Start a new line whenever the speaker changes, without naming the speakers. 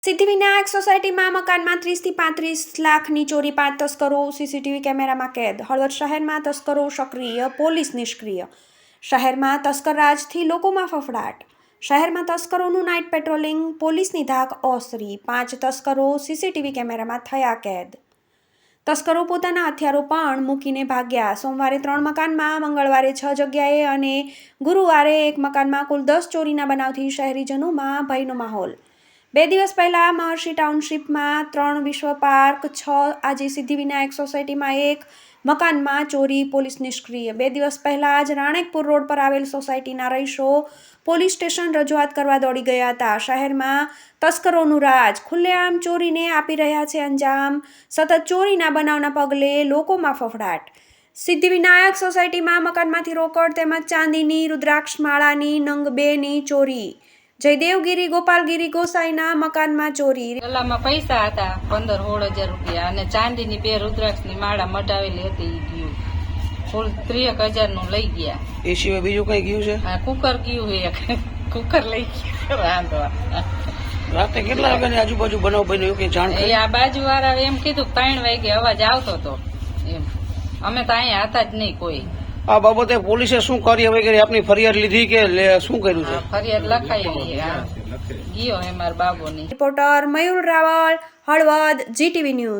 સિદ્ધિવિનાયક સોસાયટીમાં મકાનમાં 30 થી 35 લાખની ચોરી, 5 તસ્કરો સીસીટીવી કેમેરામાં કેદ. હળવદ શહેરમાં તસ્કરો સક્રિય, પોલીસ નિષ્ક્રિય. શહેરમાં તસ્કર રાજથી લોકોમાં ફફડાટ. શહેરમાં તસ્કરોનું નાઇટ પેટ્રોલિંગ, પોલીસની ધાક ઓસરી. 5 તસ્કરો સીસીટીવી કેમેરામાં થયા કેદ. તસ્કરો પોતાના હથિયારો પણ મૂકીને ભાગ્યા. સોમવારે 3 મકાનમાં, મંગળવારે 6 જગ્યાએ અને ગુરુવારે 1 મકાનમાં કુલ 10 ચોરીના બનાવથી શહેરીજનોમાં ભયનો માહોલ. 2 દિવસ પહેલા મહર્ષિ ટાઉનશીપમાં 3 વિશ્વ પાર્ક, 6 આજે સિદ્ધિવિનાયક સોસાયટીમાં 1 મકાનમાં ચોરી, પોલીસ નિષ્ક્રિય. 2 દિવસ પહેલા જ રાણેકપુર રોડ પર આવેલ સોસાયટીના રહીશો પોલીસ સ્ટેશન રજૂઆત કરવા દોડી ગયા હતા. શહેરમાં તસ્કરોનું રાજ, ખુલ્લેઆમ ચોરીને આપી રહ્યા છે અંજામ. સતત ચોરીના બનાવના પગલે લોકોમાં ફફડાટ. સિદ્ધિવિનાયક સોસાયટીમાં મકાનમાંથી રોકડ તેમજ ચાંદીની રુદ્રાક્ષ માળાની નંગ 2ની ચોરી. જયદેવગીરી ગોપાલગીરી ગોસાઈના મકાનમાં ચોરી.
ગલામાં પૈસા હતા 15-16 હજાર રૂપિયા અને ચાંદીની 2 રુદ્રાક્ષની માળા મટાવેલી હતી. ગયું કુલ 30,000 નું લઈ ગયા.
એ સિવાય બીજું કઈ ગયું છે?
હા, કુકર ગયું છે. કુકર લઈ ગયા. રાંધવા
રાતે કેટલા વાગ્યાની આજુબાજુ બનાવ બન્યો કે જાણ કરી?
આ બાજુ વાળા એમ કીધું 3 વાગે અવાજ આવતો હતો. એમ અમે તો અહીંયા હતા જ નહીં કોઈ.
આ બાબતે પોલીસે શું કાર્યવાહી કરી? આપની ફરિયાદ લીધી કે શું કર્યું છે?
ફરિયાદ લખાયેલી ગયો હે મારા બાબુની.
Reporter Mayur Raval, Halvad, GTV news.